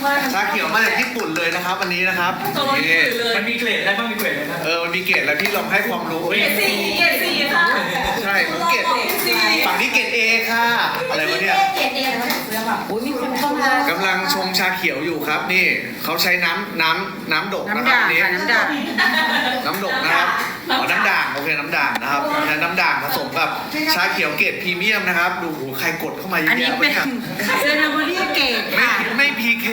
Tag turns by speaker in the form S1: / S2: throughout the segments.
S1: ชาเขียวมาจากญี่ปุ่นเลยนะครับวันนี้นะครับนี่
S2: มันมีเกรดอะไรบ้างมีเกรดอะไรบ้าง
S1: มันมีเกรดแล้วพี่ลองให้ความรู้
S3: เกรดสี่ค่ะ
S1: ใช่ผมเกรดฝั่งนี้เกรดเอค่ะอะไรวะเนี่ย
S3: เกรดเอแล้วก็เสื้อแบบอุ้ยมีคนเข้ามาก
S1: ำลังชงชาเขียวอยู่ครับนี่เขาใช้น้ำดกนะ
S4: น้ำ
S1: ครับ
S4: ด่าง
S1: นี่
S4: ค่ะน้ำด่าง
S1: น้ำดกนะครับน้ำด่างโอเคน้ำด่างนะครับน้ำด่างผสมกับชาเขียวเกรดพรีเมียมนะครับดูโหใครกดเข้ามาเย
S4: อัน
S1: อะ
S4: นี้
S1: แยะ
S4: เป็น
S1: วะเนี่ย
S4: เซนาบุรีเกต
S1: ไม่พีเค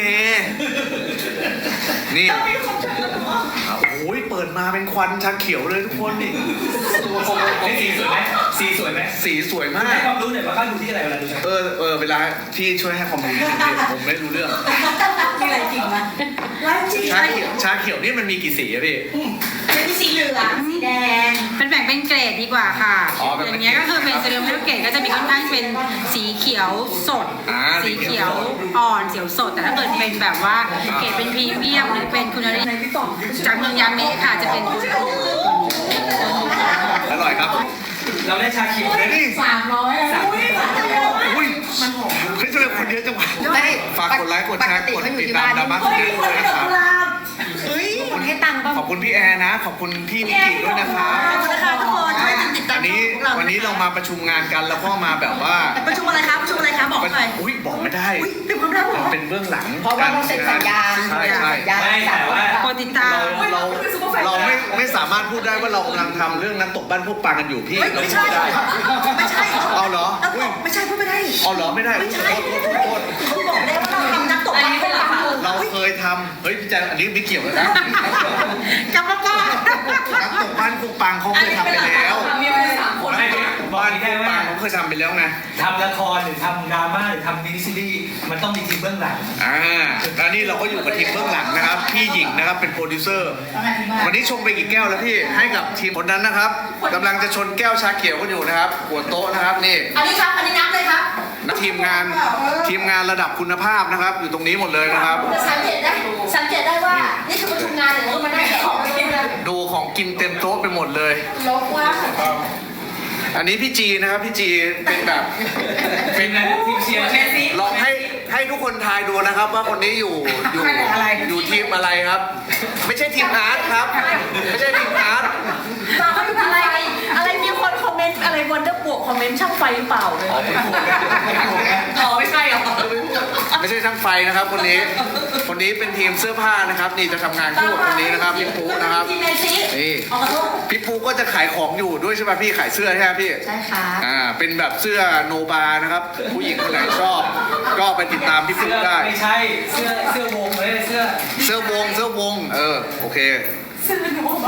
S1: นี่โอ้ยเปิดมาเป็นควันชาเขียวเลยทุกคนนี่ตัวคง
S2: สีสวยไหมสีสวยไหม
S1: สีสวยมา
S2: ให้
S1: ก
S2: ความรู้หน่อยว่าเขาดูที่อะไรเวลาดู
S1: เวลาที่ช่วยให้ความรู้ผมไม่รู้เรื่อง
S3: มีอะไรจริงไหมไลฟ์จริง
S1: ชาเขียวนี่มันมีกี่สีอะพี่
S3: เป็นสีเหลืองสีแดง
S4: เป็นแบ่งเป็นเกรดดีกว่าค่ะ
S1: อ๋อแบ่ง
S4: อ
S1: เป็น
S4: ย่างเงี้ยก็คือเป็นเซรามิกเกรดก็จะมีค่อนข้างเป็นสีเขียวสด
S1: สี
S4: สี
S1: เขี
S4: เขี
S1: ย
S4: ยว วอ่อนเขียวสด แต่ถ้าเกิดเป็นแบบว่าเกรดเป็นพรีเมียมหรือเป็นคุณภาพจากเมืองยาเมะค่ะจะเป็น
S1: อร่อยครับ
S2: เราได้ชาเขียวได้
S1: นี่
S3: 300
S1: อุ้ยมันหอมเฮ้ยทำไมคนเยอะจังวะฝากกดไลค์กดแชร์กดติดตามดราม่าคนนี้ด้วยนะครับ
S3: เฮ้ยให้ตังค์ป่ะ
S1: ขอบคุณพี่แอร์นะ ขอบคุณพี่นิกิด้วยนะครับ
S3: ขอบคุณนะคะทุกคนช่วยติดตาม
S1: วันนี้เรามาประชุมงานกันแล้วก็มาแบบว่า
S3: ประชุมอะไรครับประชุมอะไรครับบอกหน่อย
S1: อุ้ยบอกไม่ได้
S3: เป็นความลับเหรอ
S1: เป็นเบื้องหลัง
S3: เพราะว่าเราเซ็นสัญญา
S1: ใช่ใช่
S2: ไม่แต่ว่า
S4: โปรติดตาม
S1: เราไม่สามารถพูดได้ว่าเรากำลังทำเรื่องน้ำตกบ้านพวกปลากันอยู่พี่เรา
S3: ไม่
S1: พู
S3: ใช่
S1: ดได้
S3: ไม่ใช่
S1: เอาเหรอ
S3: ไม่ใช่พูดไม่ได้
S1: เอาเหรอไม่ได้
S3: ไม่ใช่
S1: โทษ
S3: เขาบอกได้ว่าเราทำน้ำตกบ้านเป็นหลัก
S1: เราเคยทำเฮ้ยพี่แจ๊คอันนี้ไม่เกี่ยวเลยนะ
S4: กลับมาก่อน
S1: น้ำตกบ้านพวกปางเขาเคยทำไปแล้ว
S3: มีอะไร3 คน
S2: ไม่บอก
S1: บ้าน
S2: ได้
S1: พวก
S2: ว่า
S1: ปางเขาเคยทำไปแล้วไง
S2: ทำละครหรือทำดราม่าหรือทำมินิซีรีส์มันต้องมีทีมเบื้องหลัง
S1: แล้วนี่เราก็อยู่กับทีมเบื้องหลังนะครับพี่หญิงนะครับเป็นโปรดิวเซอร์ วันนี้ชงไปกี่แก้วแล้วพี่ให้กับทีมคนนั้นนะครับกำลังจะชนแก้วชาเขียวกันอยู่นะครับหัวโต๊ะนะครับนี่
S3: อันนี้ครับอันนี้น้ำเลยครับ
S1: ทีมงานระดับคุณภาพนะครับ อยู่ตรงนี้หมดเลยนะครับ
S3: สังเกตได้ว่านี่คือประชุมงานหรือว่ามันได้แค่ของไม่ได้
S1: ดูของกินเต็มโต๊ะไปหมดเลย
S3: ลบว่า
S1: อันนี้พี่จีนะครับพี่จีเป็นแบบ
S2: เป็นไงทีมเชียร์
S1: ลองให้ทุกคนทายดูนะครับ ว่าคนนี้อยู่ทีมอะไรครับ ไม่ใช่ทีมอาร์ตครับ ไม่ใช่ทีมอาร์ต
S3: ตาเขาอยู่อะไรมีคนคอมเมนต์อะไรวันเดอร์บวกคอมเมนต์ช่างไฟหรือเปล่าเลยอ๋อไม่ใช่หรอ
S1: ไม่ใช่ช่างไฟนะครับ คนนี้เป็นทีมเสื้อผ้านะครับ นี่จะทำงานคู่กับคนนี้นะครับพี่ปูนะครับ
S3: ทีมแมนซี
S1: นี่
S3: ขอโทษ
S1: พี่ปูก็จะขายของอยู่ด้วยใช่ไหมพี่ขายเสื้อใช่ไหมพี่
S3: ใช่ค่ะ
S1: เป็นแบบเสื้อโนบานะครับ ผู้หญิงคนไหนชอบ ก็ไปติดตามพี่ปูได้
S2: ไม่ใช่เสื้อวงเลยเสื้อ
S1: เสื้อวงโอเค
S3: ซื้อหนู